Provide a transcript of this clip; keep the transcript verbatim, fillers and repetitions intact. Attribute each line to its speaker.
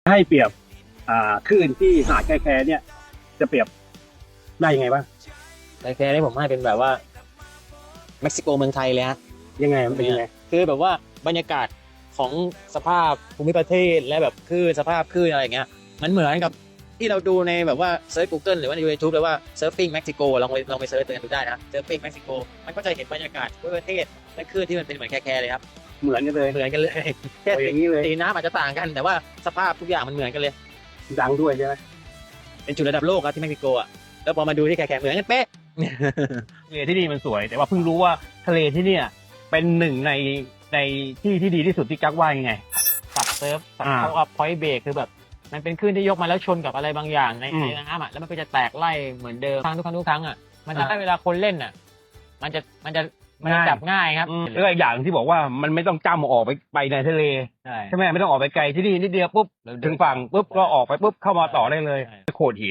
Speaker 1: ให้เปรียบอ่าคลื่นที่หาดแคแคเนี่ย จะเปรียบได้ยังไงบ้าง
Speaker 2: แคร์นี่ผมให้เป็นแบบว่าเม็กซิโกเมืองไทยเลยฮะ
Speaker 1: ยังไงมันเป็นยังไง
Speaker 2: คือแบบว่าบรรยากาศของสภาพภูมิประเทศและแบบคลื่นสภาพคลื่นอะไรอย่างเงี้ยมันเหมือนกับที่เราดูในแบบว่าเซิร์ช Google หรือว่าใน YouTube เลยว่าเซิร์ฟฟิ้งเม็กซิโกลองไปลองไปเซิร์ชกันดูได้นะเซิร์ฟฟิ้งเม็กซิโกมันก็จะเห็นบรรยากาศภูมิประเทศและคลื่นที่มันเป็นเหมือนแคร์เลยครับ
Speaker 1: เหมือนกันเลย
Speaker 2: เหมือนกันเลยแค่
Speaker 1: เอาอย่างนี้เลย
Speaker 2: สีน้ำอาจจะต่างกันแต่ว่าสภาพทุกอย่างมันเหมือนกันเลย
Speaker 1: ดังด้วยใช่ไหม
Speaker 2: เป็นจุดระดับโลกครับที่เม็กซิโกอ่ะแล้วพอมาดูที่แคร์เหมือนกันเป๊ะ
Speaker 3: ทะเลที่นี่มันสวย แต่ว่าเพิ่งรู้ว่าทะเลที่เนี่ยเป็นหนึ่งในในที่ที่ดีที่สุดที่กักว่ายังไง
Speaker 2: สับเซิร์ฟสับ
Speaker 3: อ่า
Speaker 2: เขาอัพพอยต์เบรกคือแบบมันเป็นคลื่นที่ยกมาแล้วชนกับอะไรบางอย่างใน
Speaker 3: อืม
Speaker 2: ในน้ำอ่ะแล้วมันก็จะแตกไล่เหมือนเดิมครั้งทุกครั้งทุกครั้งอ่ะมันจะ
Speaker 3: อ่า
Speaker 2: ให้เวลาคนเล่นอ่ะ มันจะมันจะมันจะ
Speaker 3: ง่าย
Speaker 2: จับง่ายครับ
Speaker 3: อืมแล้วก็อีกอย่างที่บอกว่ามันไม่ต้องจ้ำออกไปไปในทะเล
Speaker 2: ใช่
Speaker 3: ใช่ไหมไม่ต้องออกไปไกลที่นี่นิดเดียวปุ๊บถึงฝั่งปุ๊บก็ออกไปปุ๊บเข้ามาต่อได้เลย
Speaker 2: ใช่
Speaker 3: โขดหิน